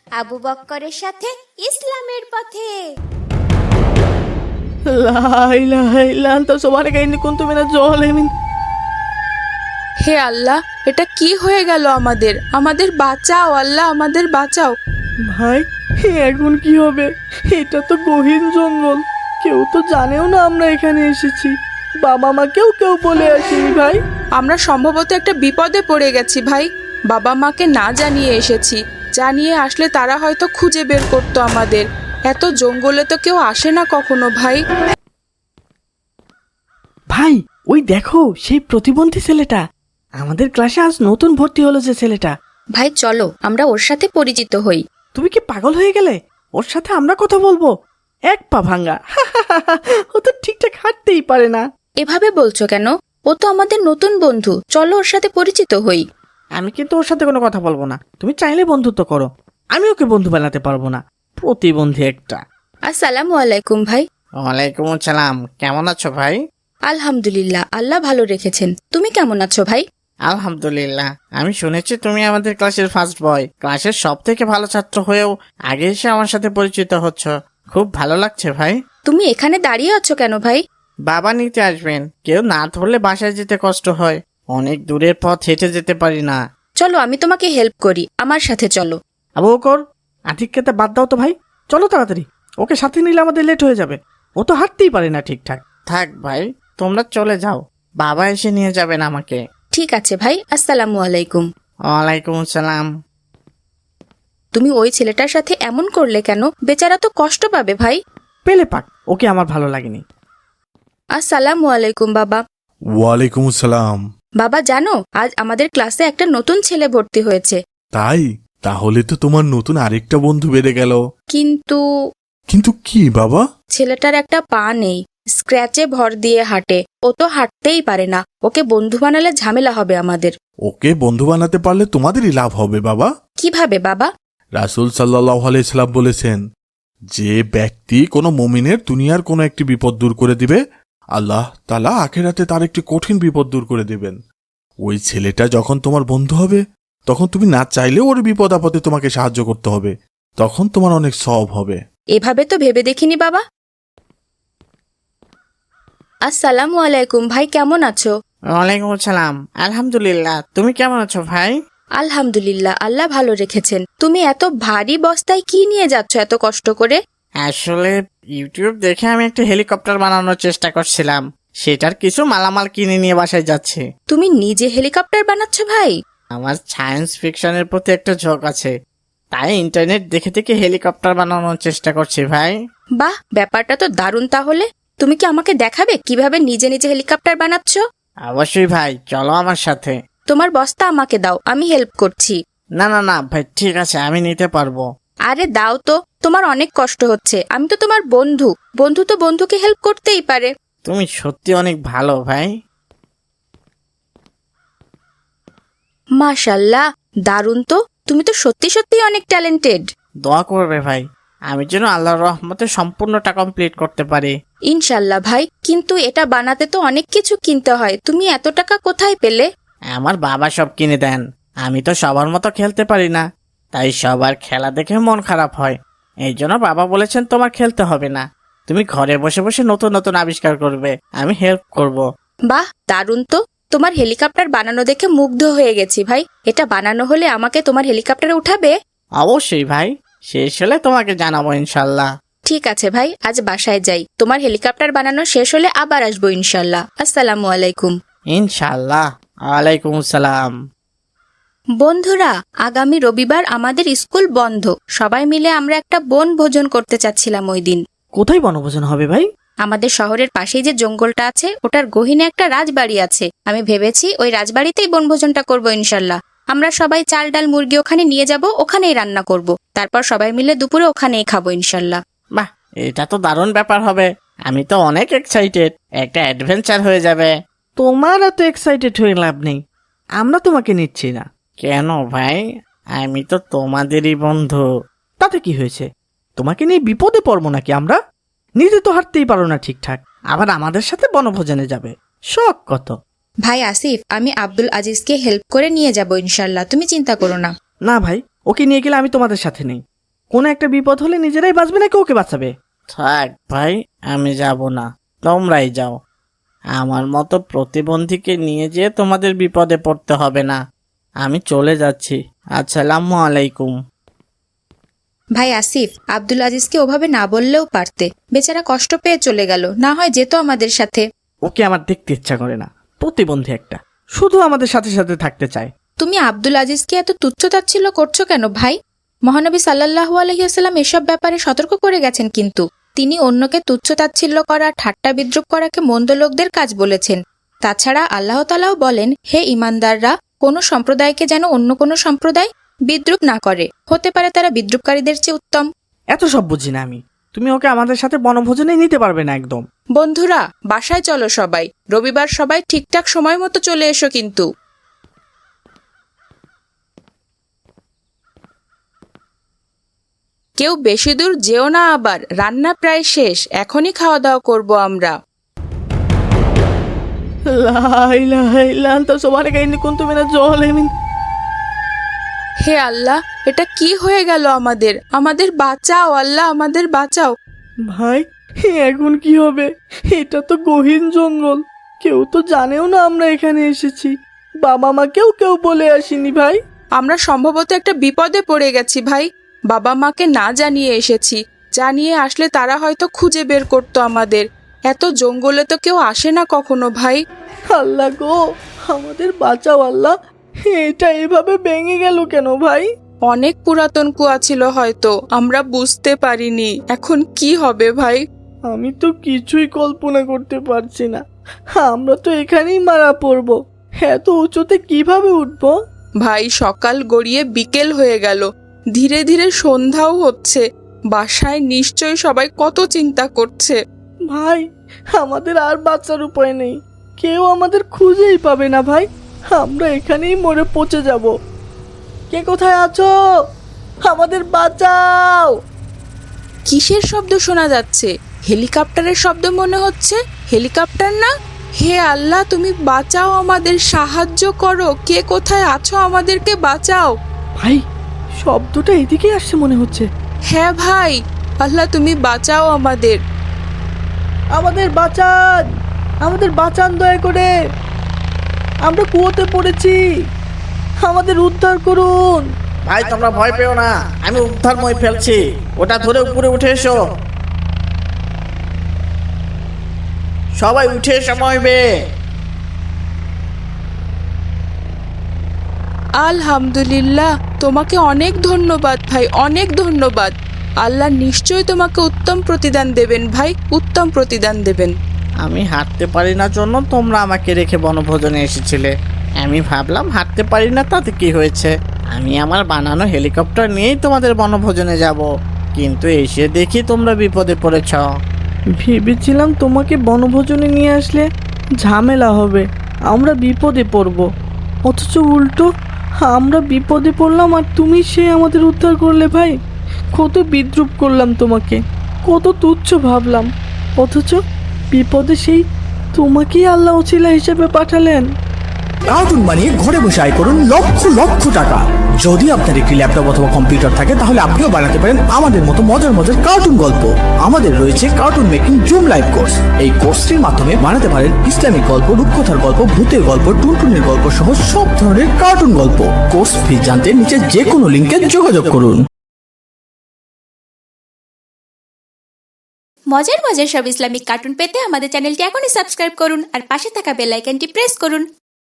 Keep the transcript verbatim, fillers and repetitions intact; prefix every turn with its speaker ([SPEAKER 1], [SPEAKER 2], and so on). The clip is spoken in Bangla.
[SPEAKER 1] আবু বক্করের সাথে ইসলামের পথে।
[SPEAKER 2] লা ইলাহা ইল্লা আনতা সুবহানাকা ইন্নী কুনতু মিনাজ জালিমিন।
[SPEAKER 3] হে আল্লাহ, এটা কি হয়ে গেল আমাদের? আমাদের বাঁচাও আল্লাহ, আমাদের বাঁচাও।
[SPEAKER 2] ভাই এখন কি হবে? এটা তো গহীন জঙ্গল, কেউ তো জানেও না আমরা এখানে এসেছি। বাবা মাকেও কেউ বলে আসেনি ভাই।
[SPEAKER 3] আমরা সম্ভবত একটা বিপদে পড়ে গেছি ভাই। বাবা মাকে না জানিয়ে এসেছি, জানিয়ে আসলে তারা হয়তো খুঁজে বের করতো আমাদের। এত জঙ্গলে তো কেউ আসে না কখনো ভাই।
[SPEAKER 2] ভাই ওই দেখো সেই প্রতিবন্ধী ছেলেটা, আমাদের ক্লাসে আজ নতুন ভর্তি হলো যে ছেলেটা।
[SPEAKER 4] ভাই চলো আমরা ওর সাথে পরিচিত হই।
[SPEAKER 2] তুমি কি পাগল হয়ে গেলে? ওর সাথে আমরা কথা বলবো? এক পা ভাঙ্গা, ও তো ঠিকঠাক হাঁটতেই পারে না।
[SPEAKER 4] এভাবে বলছো কেন? ও তো আমাদের নতুন বন্ধু, চলো ওর সাথে পরিচিত হই।
[SPEAKER 2] আমি কিন্তু ওর সাথে কোনো কথা বলবো না। তুমি চাইলে বন্ধুত্ব করো, আমি ওকে বন্ধু বানাতে পারবো না। প্রতিবন্ধী একটা।
[SPEAKER 4] আসসালামু আলাইকুম ভাই।
[SPEAKER 5] ওয়ালাইকুম আসসালাম। কেমন আছো ভাই?
[SPEAKER 4] আলহামদুলিল্লাহ, আল্লাহ ভালো রেখেছেন। তুমি কেমন আছো ভাই?
[SPEAKER 5] আলহামদুলিল্লাহ। আমি শুনেছি তুমি আমাদের ক্লাসের ফার্স্ট বয়, ক্লাসের সব থেকে ভালো ছাত্র হয়েও আগে এসে আমার সাথে পরিচিত হচ্ছ, খুব ভালো লাগছে ভাই।
[SPEAKER 4] তুমি এখানে দাঁড়িয়ে আছো কেন ভাই?
[SPEAKER 5] বাবা নিতে আসবেন, কেউ না ধরলে বাসায় যেতে কষ্ট হয়, অনেক দূরের পথ হেঁটে যেতে পারি না।
[SPEAKER 4] চলো আমি তোমাকে হেল্প করি, আমার সাথে চলো।
[SPEAKER 2] আবু বকর, আতিককে বাদ দাও তো ভাই, চলো তাড়াতাড়ি। ওকে সাথে নিলে আমাদের লেট হয়ে যাবে, ও তো হাঁটতেই পারে না ঠিকঠাক।
[SPEAKER 5] থাক ভাই, তোমরা চলে যাও, বাবা এসে নিয়ে যাবেন আমাকে।
[SPEAKER 4] ঠিক আছে ভাই, আসসালামু আলাইকুম।
[SPEAKER 5] ওয়ালাইকুম আসসালাম।
[SPEAKER 4] তুমি ওই ছেলেটার সাথে এমন করলে কেন? বেচারা তো কষ্ট পাবে ভাই।
[SPEAKER 2] পেলে পাক, ওকে আমার ভালো লাগেনি।
[SPEAKER 4] আসসালামু আলাইকুম বাবা।
[SPEAKER 6] ওয়ালাইকুম আসসালাম।
[SPEAKER 4] বাবা জানো, আজ আমাদের ক্লাসে একটা নতুন ছেলে ভর্তি হয়েছে।
[SPEAKER 6] তাই? তাহলে তো তোমার নতুন আরেকটা বন্ধু বেড়ে গেল।
[SPEAKER 4] কিন্তু
[SPEAKER 6] কিন্তু কি বাবা?
[SPEAKER 4] ছেলেটার একটা পা নেই, স্ক্র্যাচে ভর দিয়ে হাঁটে। ও তো হাঁটতেই পারে না, ওকে বন্ধু বানালে ঝামেলা হবে আমাদের।
[SPEAKER 6] ওকে বন্ধু বানাতে পারলে তোমাদেরই লাভ হবে বাবা।
[SPEAKER 4] কিভাবে বাবা?
[SPEAKER 6] রাসূল সাল্লাল্লাহু আলাইহি সাল্লাম বলেছেন, যে ব্যক্তি কোনো মুমিনের দুনিয়ার কোনো একটি বিপদ দূর করে দিবে, আল্লাহ তাআলা আখিরাতে তার একটি কঠিন বিপদ দূর করে দিবেন। ওই ছেলেটা যখন তোমার বন্ধু হবে, তখন তুমি না চাইলেও ওর বিপদ আপদে তোমাকে সাহায্য করতে হবে, তখন তোমার অনেক সওয়াব হবে।
[SPEAKER 4] এভাবে তো ভেবে দেখিনি বাবা। আসসালামু আলাইকুম ভাই, কেমন আছো?
[SPEAKER 5] ওয়ালাইকুম আসসালাম। আলহামদুলিল্লাহ। তুমি কেমন আছো ভাই?
[SPEAKER 4] আলহামদুলিল্লাহ, আল্লাহ ভালো রেখেছেন। তুমি এত ভারী বস্তায় কি নিয়ে যাচ্ছ এত কষ্ট করে?
[SPEAKER 5] আসলে ইউটিউব দেখে আমি একটা হেলিকপ্টার বানানোর চেষ্টা করছিলাম, সেটার কিছু মালামাল কিনে নিয়ে বাসায় যাচ্ছি।
[SPEAKER 4] তুমি নিজে হেলিকপ্টার বানাচ্ছ ভাই?
[SPEAKER 5] আমার সায়েন্স ফিকশনের প্রতি একটা ঝোঁক আছে, তাই ইন্টারনেট দেখে দেখে হেলিকপ্টার বানানোর চেষ্টা করছি ভাই।
[SPEAKER 4] বাহ, ব্যাপারটা তো দারুণ। তাহলে তুমি কি আমাকে দেখাবে কিভাবে নিজে নিজে হেলিকপ্টার বানাচ্ছ?
[SPEAKER 5] অবশ্যই ভাই, চলো আমার সাথে।
[SPEAKER 4] তোমার বস্তা আমাকে দাও, আমি হেল্প করছি।
[SPEAKER 5] না না না ভাই, ঠিক আছে, আমি নিতে পারবো।
[SPEAKER 4] আরে দাও তো, তোমার অনেক কষ্ট হচ্ছে। আমি তো তোমার বন্ধু, বন্ধু তো বন্ধুকে হেল্প করতেই পারে।
[SPEAKER 5] তুমি সত্যি অনেক ভালো ভাই।
[SPEAKER 4] মাশাল্লাহ, দারুণ তো। তুমি তো সত্যি সত্যি অনেক ট্যালেন্টেড।
[SPEAKER 5] দোয়া করবে ভাই, আমি যেন আল্লাহর রহমতে সম্পূর্ণটা কমপ্লিট করতে পারি।
[SPEAKER 4] ইনশাল্লাহ ভাই, কিন্তু এটা বানাতে তো অনেক কিছু কিনতে হয়। তুমি এত টাকা কোথায় পেলে?
[SPEAKER 5] আমার বাবা সব কিনে দেন, আমি তো সবার মতো খেলতে পারি না, তাই সবার খেলা দেখে মন খারাপ হয়। এই জন্য বাবা বলেছেন তোমার খেলতে হবে না, তুমি ঘরে বসে বসে নতুন নতুন আবিষ্কার করবে, আমি হেল্প করব।
[SPEAKER 4] বাহ, দারুণ তো। তোমার হেলিকপ্টার বানানো দেখে মুগ্ধ হয়ে গেছি ভাই। এটা বানানো হলে আমাকে তোমার হেলিকপ্টারে উঠাবে?
[SPEAKER 5] অবশ্যই ভাই, শেষ হলে তোমাকে জানাবো ইনশাল্লাহ।
[SPEAKER 4] ঠিক আছে ভাই, আজ বাসায় যাই। তোমার হেলিকপ্টার বানানো শেষ হলে আবার আসবো ইনশাল্লাহ। আসসালামু আলাইকুম।
[SPEAKER 5] ইনশাল্লাহ। ওয়ালাইকুম আসসালাম।
[SPEAKER 4] বন্ধুরা, আগামী রবিবার আমাদের স্কুল বন্ধ। সবাই মিলে আমরা একটা বন ভোজন করতে চাচ্ছিলাম ওই দিন।
[SPEAKER 2] কোথায় বনভোজন হবে ভাই?
[SPEAKER 4] আমাদের শহরের পাশেই যে জঙ্গলটা আছে, ওটার গহীনে একটা রাজবাড়ি আছে। আমি ভেবেছি ওই রাজবাড়িতেই বনভোজনটা করবো ইনশাল্লাহ। আমরা সবাই চাল ডাল মুরগি ওখানে নিয়ে যাব, ওখানেই রান্না করব। তারপর সবাই মিলে দুপুরে ওখানেই খাবো ইনশাল্লাহ।
[SPEAKER 5] বাহ, এটা তো দারুণ ব্যাপার হবে। আমি তো অনেক এক্সাইটেড, একটা অ্যাডভেঞ্চার হয়ে যাবে।
[SPEAKER 2] তোমার এত এক্সাইটেড হয়ে লাভ নেই, আমরা তোমাকে নিচ্ছি না।
[SPEAKER 5] কেন ভাই? আমি তো তোমাদেরই বন্ধু।
[SPEAKER 2] তাতে কি হয়েছে? তোমাকে নিয়ে বিপদে পড়বো নাকি আমরা? নিজে তো হাঁটতেই পারো না ঠিকঠাক, আবার আমাদের সাথে বনভোজনে যাবে, শখ কত।
[SPEAKER 4] ভাই আসিফ, আমি আব্দুল আজিজকে হেল্প করে নিয়ে যাব ইনশাল্লাহ, তুমি চিন্তা করো না।
[SPEAKER 2] না ভাই, ওকে নিয়ে গেলে আমি তোমাদের সাথে নেই। কোনো একটা বিপদ হলে নিজেরাই বাঁচবে নাকি ওকে বাঁচাবে?
[SPEAKER 5] থাক ভাই, আমি যাব না, তোমরাই যাও। আমার মতো প্রতিবন্ধীকে নিয়ে যেয়ে তোমাদের বিপদে পড়তে হবে না। আমি চলে যাচ্ছি। আসসালামু আলাইকুম।
[SPEAKER 4] ভাই আসিফ, আব্দুল আজিজকে ওভাবে না বললেও পারতে, বেচারা কষ্ট পেয়ে চলে গেল, না হয় যেত আমাদের সাথে।
[SPEAKER 2] ওকে আমার দেখতে ইচ্ছা করে না, প্রতিবন্ধী একটা, শুধু আমাদের সাথে সাথে থাকতে চায়।
[SPEAKER 4] তুমি আব্দুল আজিজকে এত তুচ্ছতাচ্ছিল্য করছো কেন ভাই? মহানবী সাল্লাল্লাহু আলাইহি ওয়াসাল্লাম এসব ব্যাপারে সতর্ক করে গেছেন, কিন্তু তিনি অন্যকে তুচ্ছতাচ্ছিল্য করা, ঠাট্টা বিদ্রুপ করাকে মন্দ লোকদের কাজ বলেছেন। তাছাড়া আল্লাহ তাআলাও বলেন, হে ঈমানদাররা, কোনো সম্প্রদায়কে যেন অন্য কোনো সম্প্রদায় বিদ্রুপ না করে, হতে পারে তারা বিদ্রুপকারীদের চেয়ে উত্তম।
[SPEAKER 2] এত সব বুঝি না আমি, তুমি ওকে আমাদের সাথে বনভোজনে নিতে পারবে না একদম।
[SPEAKER 3] বন্ধুরা, বাসায় চলো সবাই, রবিবার সবাই ঠিকঠাক সময় মতো চলে এসো কিন্তু। কেউ বেশি দূর যেও না আবার, রান্না প্রায় শেষ, এখনই খাওয়া দাওয়া করব আমরা।
[SPEAKER 2] লা ইলাহা ইল্লা আনতা সুবহানাকা ইন্নী কুনতু মিনাজ জালিমিন।
[SPEAKER 3] হে আল্লাহ, এটা কি হয়ে গেল আমাদের? আমাদের বাঁচাও আল্লাহ, আমাদের বাঁচাও।
[SPEAKER 2] ভাই, এখন কি হবে? এটা তো গহীন জঙ্গল, কেউ তো জানেও না আমরা এখানে এসেছি। বাবা মাকেও কেউ বলে আসেনি ভাই।
[SPEAKER 3] আমরা সম্ভবত একটা বিপদে পড়ে গেছি ভাই। বাবা মাকে না জানিয়ে এসেছি, জানিয়ে আসলে তারা হয়তো খুঁজে বের করতো আমাদের। এত জঙ্গলে তো কেউ আসে না কখনো ভাই।
[SPEAKER 2] আল্লাহ গো, আমাদের বাঁচাও আল্লাহ। এটা এভাবে ভেঙে গেল কেন ভাই?
[SPEAKER 3] অনেক পুরাতন কুয়া ছিল হয়তো, আমরা বুঝতে পারিনি। এখন কি হবে ভাই?
[SPEAKER 2] আমি তো কিছুই কল্পনা করতে পারছি না। আমরা তো এখানেই মারা পড়বো, এত উঁচুতে কিভাবে উঠবো?
[SPEAKER 3] ভাই, সকাল গড়িয়ে বিকেল হয়ে গেল, ধীরে ধীরে সন্ধ্যাও হচ্ছে। বাসায় নিশ্চয়ই সবাই কত চিন্তা করছে।
[SPEAKER 2] ভাই, আমাদের আর বাঁচার উপায় নেই, কেউ আমাদের খুঁজেই পাবে না ভাই। আমরা এখানেই মরে পচে যাব। কে কোথায় আছো? আমাদের বাঁচাও।
[SPEAKER 3] কিসের শব্দ শোনা যাচ্ছে? হেলিকপ্টারের শব্দ মনে হচ্ছে। হেলিকপ্টার না? হে আল্লাহ, তুমি বাঁচাও আমাদের, সাহায্য করো। কে কোথায় আছো? আমাদেরকে বাঁচাও।
[SPEAKER 2] ভাই, শব্দটা এদিকে আসছে মনে হচ্ছে।
[SPEAKER 3] হ্যাঁ ভাই, আল্লাহ তুমি বাঁচাও আমাদের।
[SPEAKER 2] আমাদের বাঁচান, আমাদের বাঁচান দয়া করে, আমরা কুয়োতে পড়েছি, আমাদের উদ্ধার করুন।
[SPEAKER 5] ভাই, তোমরা ভয় পেও না, আমি উদ্ধার মই ফেলছি। ওটা ধরে উপরে উঠে এসো। সবাই উঠে এসো মইবে।
[SPEAKER 3] আলহামদুলিল্লাহ, তোমাকে অনেক ধন্যবাদ ভাই, অনেক ধন্যবাদ। আল্লাহ নিশ্চয়ই তোমাকে উত্তম প্রতিদান দেবেন ভাই, উত্তম প্রতিদান দেবেন।
[SPEAKER 5] আমি হাঁটতে পারি না জন্য তোমরা আমাকে রেখে বনভোজনে এসেছিলে। আমি ভাবলাম হাঁটতে পারি না, তাতে কি হয়েছে, আমি আমার বানানো হেলিকপ্টার নিয়েই তোমাদের বনভোজনে যাব। কিন্তু এসে দেখি তোমরা বিপদে পড়েছ।
[SPEAKER 2] ভেবেছিলাম তোমাকে বনভোজনে নিয়ে আসলে ঝামেলা হবে, আমরা বিপদে পড়ব, অথচ উল্টো আমরা বিপদে পড়লাম আর তুমি সে আমাদের উদ্ধার করলে। ভাই, কত বিদ্রুপ করলাম তোমাকে, কত তুচ্ছ ভাবলাম, অথচ বিপদে সেই তোমাকেই আল্লাহ ওসিলা হিসেবে পাঠালেন।
[SPEAKER 7] কার্টুন বানিয়ে ঘরে বসে আয় করুন লক্ষ লক্ষ টাকা। যদি আপনার একটি ল্যাপটপ অথবা কম্পিউটার থাকে তাহলে আপনিও বানাতে পারেন আমাদের মতো মজার মজার কার্টুন গল্প। আমাদের রয়েছে cartoon making Zoom live course. এই কোর্সটির মাধ্যমে বানাতে পারেন ইসলামিক গল্প, রূপকথার গল্প, ভূতের গল্প, টুনটুনের গল্প সহ সব ধরনের কার্টুন গল্প। কোর্স ফি জানতে নিচে যে কোনো লিঙ্কে যোগাযোগ করুন।
[SPEAKER 1] মজার মজার সব ইসলামিক কার্টুন পেতে আমাদের চ্যানেলটি এখনই সাবস্ক্রাইব করুন আর পাশে থাকা বেল আইকনটি প্রেস করুন।